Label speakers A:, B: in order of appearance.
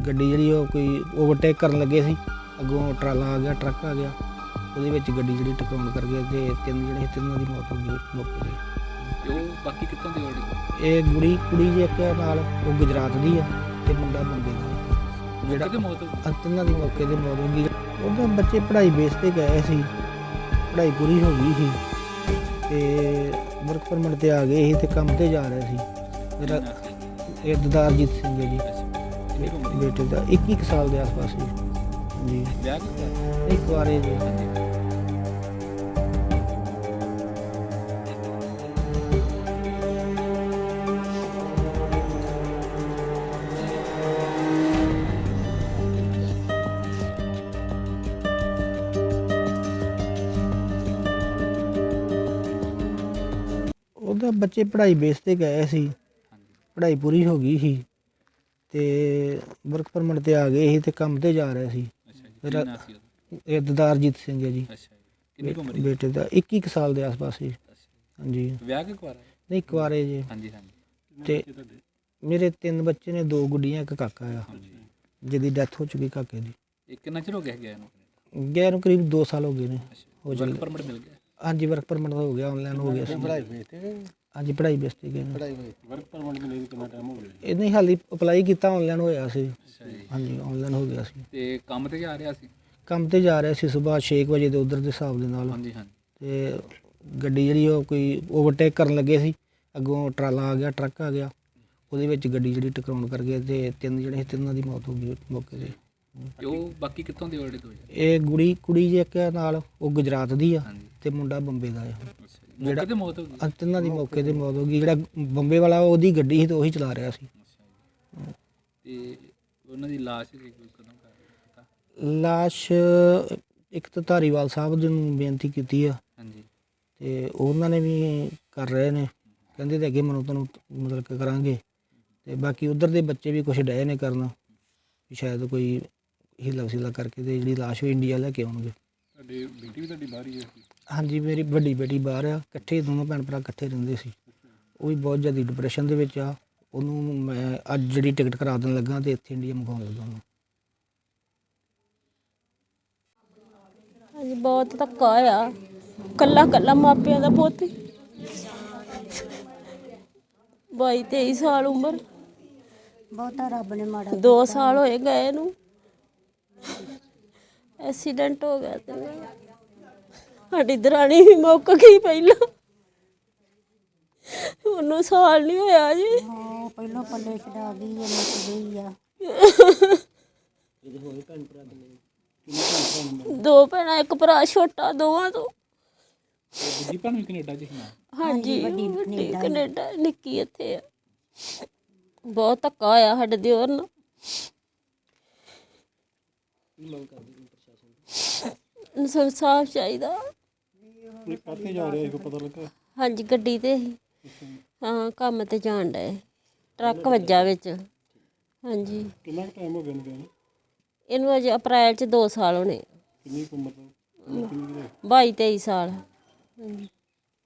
A: ਗੱਡੀ ਜਿਹੜੀ ਉਹ ਕੋਈ ਓਵਰਟੇਕ ਕਰਨ ਲੱਗੇ ਸੀ, ਅੱਗੋਂ ਟਰਾਲਾ ਆ ਗਿਆ, ਟਰੱਕ ਆ ਗਿਆ, ਉਹਦੇ ਵਿੱਚ ਗੱਡੀ ਜਿਹੜੀ ਟਕਰਾਉਣ ਕਰ ਗਿਆ ਤੇ ਤਿੰਨਾਂ ਦੀ ਮੌਤ ਹੋ ਗਈ ਮੌਕੇ 'ਤੇ।
B: ਉਹ ਬਾਕੀ ਕਿੱਥੋਂ ਦੀ ਆਲਰੇਡੀ?
A: ਇਹ ਕੁੜੀ ਜੀ ਇੱਕ ਨਾਲ ਉਹ ਗੁਜਰਾਤ ਦੀ ਆ ਤੇ ਮੁੰਡਾ ਬੰਬੇ ਦਾ, ਜਿਹੜਾ
B: ਕਿਤੇ ਮੌਤ ਹੋ ਗਈ?
A: ਤਿੰਨਾਂ ਦੀ ਮੌਕੇ 'ਤੇ ਮੌਤ ਹੋ ਗਈ। ਉਹਦਾ ਬੱਚੇ ਪੜ੍ਹਾਈ ਬੇਸ 'ਤੇ ਗਏ ਸੀ, ਪੜ੍ਹਾਈ ਪੂਰੀ ਹੋ ਗਈ ਸੀ ਤੇ ਵਰਕ ਪਰਮਿਟ 'ਤੇ ਆ ਗਏ ਸੀ ਤੇ ਕੰਮ 'ਤੇ ਜਾ ਰਹੇ ਸੀ। ਮੇਰਾ ਇਹ ਦਦਾਰਜੀਤ ਸਿੰਘ ਹੈ ਜੀ, ਬੇਟੇ ਦਾ 21 ਸਾਲ ਦੇ ਆਸ-ਪਾਸ ਜੀ। ਜੀ
B: ਵਿਆਹ ਕੀਤਾ?
A: ਇੱਕ ਵਾਰੇ ਜੀ। ਉਹਦਾ ਬੱਚੇ ਪੜ੍ਹਾਈ ਬੇਸ 'ਤੇ ਗਏ ਸੀ, ਪੜ੍ਹਾਈ ਪੂਰੀ ਹੋ ਗਈ ਸੀ ਤੇ ਵਰਕ ਪਰਮਿਟ 'ਤੇ ਆ ਗਏ ਸੀ ਤੇ ਕੰਮ 'ਤੇ ਜਾ ਰਹੇ ਸੀ। ਮੇਰਾ ਇਹ ਦਦਾਰਜੀਤ ਸਿੰਘ ਹੈ ਜੀ,
B: ਕਿੰਨੀ ਉਮਰ ਹੈ?
A: ਬੇਟੇ ਦਾ 21 ਸਾਲ ਦੇ ਆਸ-ਪਾਸ ਜੀ। ਹਾਂਜੀ
B: ਵਿਆਹ ਕਿ ਕੁਆਰਾ?
A: ਨਹੀਂ ਕੁਆਰੇ ਜੀ।
B: ਹਾਂਜੀ।
A: ਤੇ ਮੇਰੇ 3 ਬੱਚੇ ਨੇ, 2 ਗੁੱਡੀਆਂ, ਇੱਕ ਕਾਕਾ ਆ ਜਿਹਦੀ ਡੈਥ ਹੋ ਚੁੱਕੀ ਕਾਕੇ ਦੀ।
B: ਇਹ ਕਿੰਨਾ ਚਿਰ ਹੋ ਗਿਆ ਗਿਆ ਇਹਨੂੰ?
A: ਗਿਆ ਨੂੰ ਕਰੀਬ 2 ਸਾਲ ਹੋ ਗਏ ਨੇ। ਹੋ
B: ਵਰਕ ਪਰਮਿਟ ਮਿਲ ਗਿਆ?
A: ਹਾਂਜੀ ਵਰਕ ਪਰਮਿਟ ਹੋ ਗਿਆ, ਆਨਲਾਈਨ ਹੋ ਗਿਆ ਸੀ।
C: ਪੜ੍ਹਾਈ ਬੇਸ ਤੇ?
A: ਹਾਂਜੀ ਪੜ੍ਹਾਈ ਬੇਸ 'ਤੇ ਗਏ ਨੇ।
C: ਵਰਕ ਪਰਮਿਟ ਮਿਲੇ ਨੂੰ ਕਿੰਨਾ ਟਾਈਮ ਹੋ ਗਿਆ?
A: ਇਹ ਨਹੀਂ ਹਾਲੀ ਅਪਲਾਈ ਕੀਤਾ, ਆਨਲਾਈਨ ਹੋਇਆ ਸੀ।
B: ਅੱਛਾ ਜੀ।
A: ਹਾਂਜੀ ਆਨਲਾਈਨ ਹੋ ਗਿਆ ਸੀ।
B: ਤੇ ਕੰਮ ਤੇ ਜਾ ਰਿਹਾ ਸੀ?
A: ਕੰਮ 'ਤੇ ਜਾ ਰਿਹਾ ਸੀ ਸੁਬਾਹ 6 ਵਜੇ ਦੇ ਉੱਧਰ ਦੇ ਹਿਸਾਬ ਦੇ ਨਾਲ।
B: ਹਾਂਜੀ।
A: ਤੇ ਗੱਡੀ ਜਿਹੜੀ ਉਹ ਕੋਈ ਓਵਰਟੇਕ ਕਰਨ ਲੱਗੇ ਸੀ, ਅੱਗੋਂ ਟਰਾਲਾ ਆ ਗਿਆ, ਟਰੱਕ ਆ ਗਿਆ, ਉਹਦੇ ਵਿੱਚ ਗੱਡੀ ਜਿਹੜੀ ਟਕਰਾਉਣ ਕਰ ਗਿਆ ਤੇ ਤਿੰਨਾਂ ਦੀ ਮੌਤ ਹੋ ਗਈ ਮੌਕੇ 'ਤੇ।
B: ਤੇ ਉਹ ਬਾਕੀ ਕਿੱਥੋਂ ਦੀ ਆਲਰੇਡੀ ਹੋਈ?
A: ਇਹ ਕੁੜੀ ਜੀ ਇੱਕ ਨਾਲ ਉਹ ਗੁਜਰਾਤ ਦੀ ਆ
B: ਹਾਂਜੀ।
A: ਤੇ ਮੁੰਡਾ ਬੰਬੇ ਦਾ ਆ।
B: ਜਿਹੜਾ ਤੇ ਮੌਤ ਹੋ ਗਈ?
A: ਤਿੰਨਾਂ ਦੀ ਮੌਕੇ 'ਤੇ ਮੌਤ ਹੋ ਗਈ। ਜਿਹੜਾ ਬੰਬੇ ਵਾਲਾ ਉਹਦੀ ਗੱਡੀ ਸੀ ਤੇ ਉਹੀ ਚਲਾ ਰਿਹਾ ਸੀ।
B: ਤੇ ਉਹਨਾਂ ਦੀ ਲਾਸ਼ ਕਦੋਂ ਕਰ ਪਤਾ?
A: ਲਾਸ਼ ਇੱਕ ਤਾਂ ਧਾਰੀਵਾਲ ਸਾਹਿਬ ਜੀ ਨੂੰ ਬੇਨਤੀ ਕੀਤੀ ਆ
B: ਹਾਂਜੀ।
A: ਤੇ ਉਹਨਾਂ ਨੇ ਵੀ ਕਰ ਰਹੇ ਨੇ, ਕਹਿੰਦੇ ਤੇ ਅੱਗੇ ਤੁਹਾਨੂੰ ਮਤਲਬ ਕਿ ਕਰਾਂਗੇ। ਤੇ ਬਾਕੀ ਉਧਰ ਦੇ ਬੱਚੇ ਵੀ ਕੁਛ ਡਏ ਨੇ ਕਰਨ, ਸ਼ਾਇਦ ਕੋਈ ਹੀਲਾ ਵਸੀਲਾ ਕਰਕੇ ਤੇ ਜਿਹੜੀ ਲਾਸ਼ ਉਹ ਇੰਡੀਆ ਲੈ ਕੇ ਆਉਣਗੇ।
C: ਤੁਹਾਡੀ ਬੇਟੀ ਵੀ ਤੁਹਾਡੀ ਬਾਹਰ ਹੀ ਹੈ?
A: ਹਾਂਜੀ ਮੇਰੀ ਵੱਡੀ ਬੇਟੀ ਬਾਹਰ ਆ, ਇਕੱਠੇ ਦੋਨੋਂ ਭੈਣ ਭਰਾ ਇਕੱਠੇ ਰਹਿੰਦੇ ਸੀ। ਉਹ ਵੀ ਬਹੁਤ ਜ਼ਿਆਦਾ ਡਿਪਰੈਸ਼ਨ ਦੇ ਵਿੱਚ ਆ। ਉਹਨੂੰ ਮੈਂ ਅੱਜ ਜਿਹੜੀ ਟਿਕਟ ਕਰਾ ਦੇਣ ਲੱਗਾ ਤੇ ਇੱਥੇ ਇੰਡੀਆ ਮੰਗਵਾਉਣ ਲੱਗਾ ਉਹਨੂੰ।
D: ਹਾਂਜੀ ਬਹੁਤ ਧੱਕਾ ਆ, ਕੱਲਾ ਮਾਪਿਆਂ ਦਾ ਪੁੱਤ, 22-23 ਸਾਲ ਉਮਰ,
E: ਬਹੁਤਾ ਰੱਬ ਨੇ ਮਾੜਾ
D: 2 ਸਾਲ ਹੋਏ ਗਏ ਨੂੰ। ਐਕਸੀਡੈਂਟ ਹੋ ਗਿਆ ਤੇ ਸਾਡੀ ਦਰਾਣੀ ਵੀ ਮੁੱਕ ਗਈ ਪਹਿਲਾਂ, ਉਹਨੂੰ ਸਾਲ ਨਹੀਂ ਹੋਇਆ ਜੀ।
E: ਹਾਂ ਪਹਿਲਾਂ ਪੱਲੇ ਛਡਾ ਗਈ ਹੈ, ਮੁੱਕ ਗਈ ਆ।
D: 2 ਭੈਣਾਂ, ਇੱਕ ਭਰਾ ਛੋਟਾ ਦੋਵਾਂ ਤੋਂ।
B: ਦੂਜੀ ਭੈਣ ਵੀ ਕੈਨੇਡਾ 'ਚ ਸੀ ਨਾ?
D: ਹਾਂਜੀ ਵੱਡੀ ਕੈਨੇਡਾ, ਨਿੱਕੀ ਇੱਥੇ ਆ। ਬਹੁਤ ਧੱਕਾ ਹੋਇਆ ਸਾਡੇ ਦਿਓਰ ਨਾਲ। ਇਨਸਾਫ ਚਾਹੀਦਾ।
C: ਕਾਹਤੇ ਜਾ ਰਿਹਾ ਸੀ ਪਤਾ ਲੱਗਾ?
D: ਹਾਂਜੀ ਗੱਡੀ ਤੇ ਸੀ। ਹਾਂ ਕੰਮ ਤੇ ਜਾਣ ਡਏ, ਟਰੱਕ ਵੱਜਾ ਵਿੱਚ। ਹਾਂਜੀ
C: ਕਿੰਨਾ ਟਾਈਮ ਹੋ ਗਿਆ ਇਹਨੂੰ ਗਏ?
D: ਇਹਨੂੰ ਅਜੇ ਅਪ੍ਰੈਲ 'ਚ 2 ਸਾਲ ਹੋਣੇ।
C: ਕਿੰਨੀ ਕੁ ਉਮਰ ਦਾ?
D: 22-23 ਸਾਲ। ਹਾਂਜੀ।